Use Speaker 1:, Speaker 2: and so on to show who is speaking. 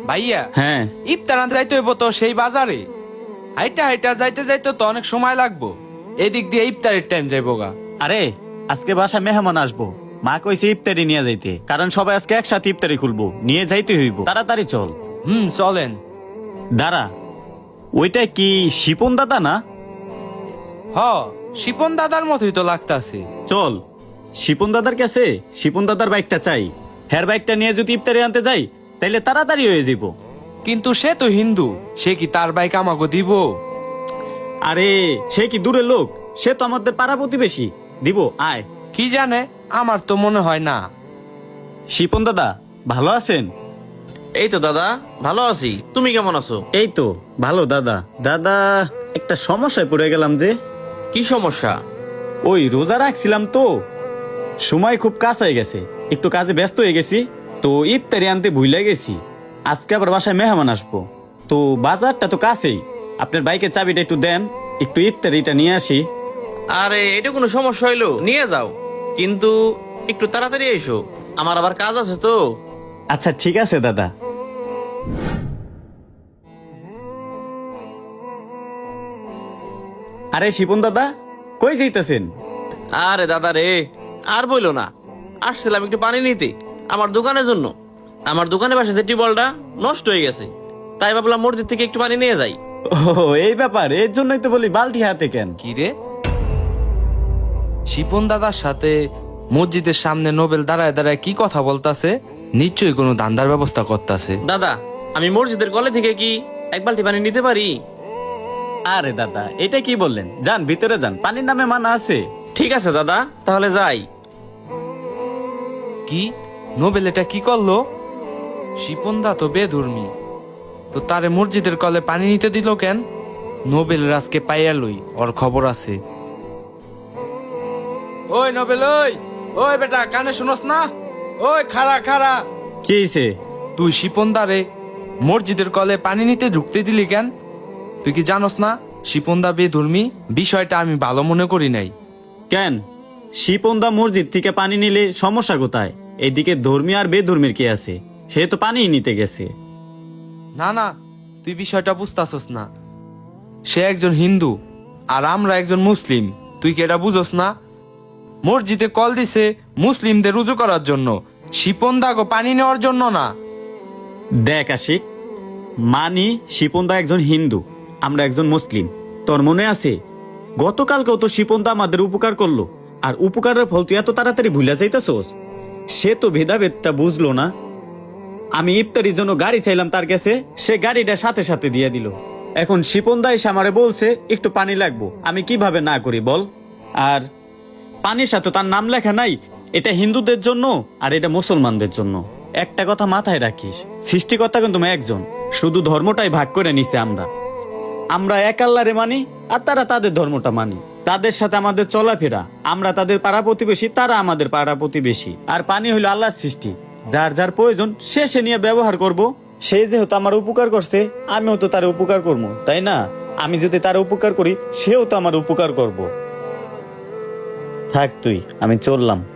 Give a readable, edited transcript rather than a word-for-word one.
Speaker 1: ভাইয়া
Speaker 2: হ্যাঁ
Speaker 1: ইফতার আনতে যাইতে হইব তো সেই বাজারে। হাইটা হাইটা যাইতে যাইতে তো অনেক সময় লাগবো। এদিক দিয়ে ইফতারের টাইম যাইবো গা।
Speaker 2: আরে আজকে বাসায় মেহমান আসবো, মা কইছে ইফতারি নিয়ে যাইতে, কারণ সবাই আজকে একসাথে ইফতারি খুলবো, নিয়ে যাইতে হইব, তাড়াতাড়ি চল।
Speaker 1: চলেন।
Speaker 2: দাঁড়া, ওইটা কি শিপন দাদা না?
Speaker 1: হ, শিপন দাদার মতোই তো লাগতাছে।
Speaker 2: চল শিপন দাদার কাছে, শিপন দাদার বাইকটা চাই। হের বাইকটা নিয়ে যদি ইফতারি আনতে যাই তাইলে তাড়াতাড়ি হয়ে যাব।
Speaker 1: কিন্তু সে তো হিন্দু, সে কি তার বাইক আমাকে দিব?
Speaker 2: আরে সে কি দূরের লোক? সে তো আমাদের পাড়া প্রতিবেশী, দিব আয়।
Speaker 1: কি জানে, আমার তো মনে হয় না।
Speaker 2: শিপন দাদা ভালো আছেন?
Speaker 3: এই তো দাদা ভালো আছি, তুমি কেমন আছো?
Speaker 2: এই তো ভালো দাদা। দাদা একটা সমস্যায় পড়ে গেলাম যে।
Speaker 3: কি সমস্যা?
Speaker 2: ওই রোজা রাখছিলাম তো, সময় খুব কাছাই গেছে, একটু কাজে ব্যস্ত হয়ে গেছি, তো ইফতারি আনতে ভুলে গেছি। আজকে আবার বাসায় মেহমান আসবো, তো বাজারটা তো কাছেই, আপনার বাইকের চাবিটা একটু দেন, একটু ইফতারিটা নিয়ে আসি।
Speaker 3: আরে এটা কোনো সমস্যা হইলো, নিয়ে যাও, কিন্তু একটু তাড়াতাড়ি এসো, আমার আবার কাজ আছে তো।
Speaker 2: আচ্ছা ঠিক আছে দাদা। আরে শিপন দাদা কই যাইতেছেন?
Speaker 3: আরে দাদা রে, আর বইলো না, আসছিলাম একটু পানি নিতে আমার দোকানের জন্য। আমার দোকানের পাশে যে টিউবওয়েলটা নষ্ট হয়ে গেছে, তাই ভাবলাম মসজিদ থেকে একটু পানি নিয়ে যাই।
Speaker 2: ও এই ব্যাপার, এর জন্যই তো বলি বালতি হাতে কেন।
Speaker 1: কি রে, শিপন দাদার সাথে মসজিদের সামনে নোবেল দাঁড়ায় দাঁড়ায় কি কথা বলতাছে? নিশ্চয়ই কোনো ধান্দার ব্যবস্থা করতেছে।
Speaker 3: দাদা আমি মসজিদের কলে থেকে কি এক বালতি পানি নিতে পারি?
Speaker 2: আরে দাদা এটা কি বললেন, যান ভিতরে যান, পানির নামে মানা আছে।
Speaker 3: ঠিক আছে দাদা, তাহলে যাই।
Speaker 1: কি, নোবেল এটা কি করলো? শিপন দা তো বেধর্মী, তো তারে মসজিদের কলে পানি নিতে দিল কেন? নোবেল রাজকে পাইয়া লই, ওর খবর আছে। ওই নোবেল, ওই ওই বেটা, কানে শুনস না? ওই খাড়া খাড়া।
Speaker 2: কি হয়েছে?
Speaker 1: তুই শিপন দারে মসজিদের কলে পানি নিতে ঢুকতে দিলি কেন? তুই কি জানোস না শিপন দা বেধর্মী? বিষয়টা আমি ভালো মনে করি নাই।
Speaker 2: কেন, শিপনদা মসজিদ থেকে পানি নিলে সমস্যা কোথায়? এদিকে ধর্মী আর বেধর্মীর কি আছে? সে তো পানিই নিতে গেছে।
Speaker 1: না না, তুই বিষয়টা বুঝতাছস না। সে একজন হিন্দু আর আমরা একজন মুসলিম, তুই কি এটা বুঝোস না? মসজিদে কল দিছে মুসলিমদের রুজু করার জন্য, শিপন দাগো পানি নেওয়ার জন্য না।
Speaker 2: দেখ আশিক, মানি শিপনদা একজন হিন্দু, আমরা একজন মুসলিম। তোর মনে আছে গতকালকেও তো শিপনদা আমাদের উপকার করলো, আর উপকারের ফল তুই এত তাড়াতাড়ি ভুলে যাইতেছোস? সে তো ভেদাভেদটা বুঝলো না। আমি ইফতারির জন্য গাড়ি চাইলাম তার কাছে, সে গাড়িটা সাথে সাথে দিয়ে দিল। এখন শিপনদা এসে আমারে বলছে একটু পানি লাগবো, আমি কিভাবে না করি বল? আর পানির সাথে তার নাম লেখা নাই, এটা হিন্দুদের জন্য আর এটা মুসলমানদের জন্য। একটা কথা মাথায় রাখিস, সৃষ্টিকর্তা কিন্তু একজন, শুধু ধর্মটাই ভাগ করে নিছে। আমরা এক আল্লাহরে মানি আর তারা তাদের ধর্মটা মানি। তাদের সাথে আমাদের চলাফেরা, আমরা তাদের পাড়া প্রতিবেশী, তারা আমাদের পাড়া প্রতিবেশী। আর পানি হইলো আল্লাহর সৃষ্টি, যার যার প্রয়োজন সে নিয়ে ব্যবহার করব। সে যেহেতু আমার উপকার করছে, আমিও তো তার উপকার করবো, তাই না? আমি যদি তার উপকার করি, সেও তো আমার উপকার করব। থাক তুই, আমি চললাম।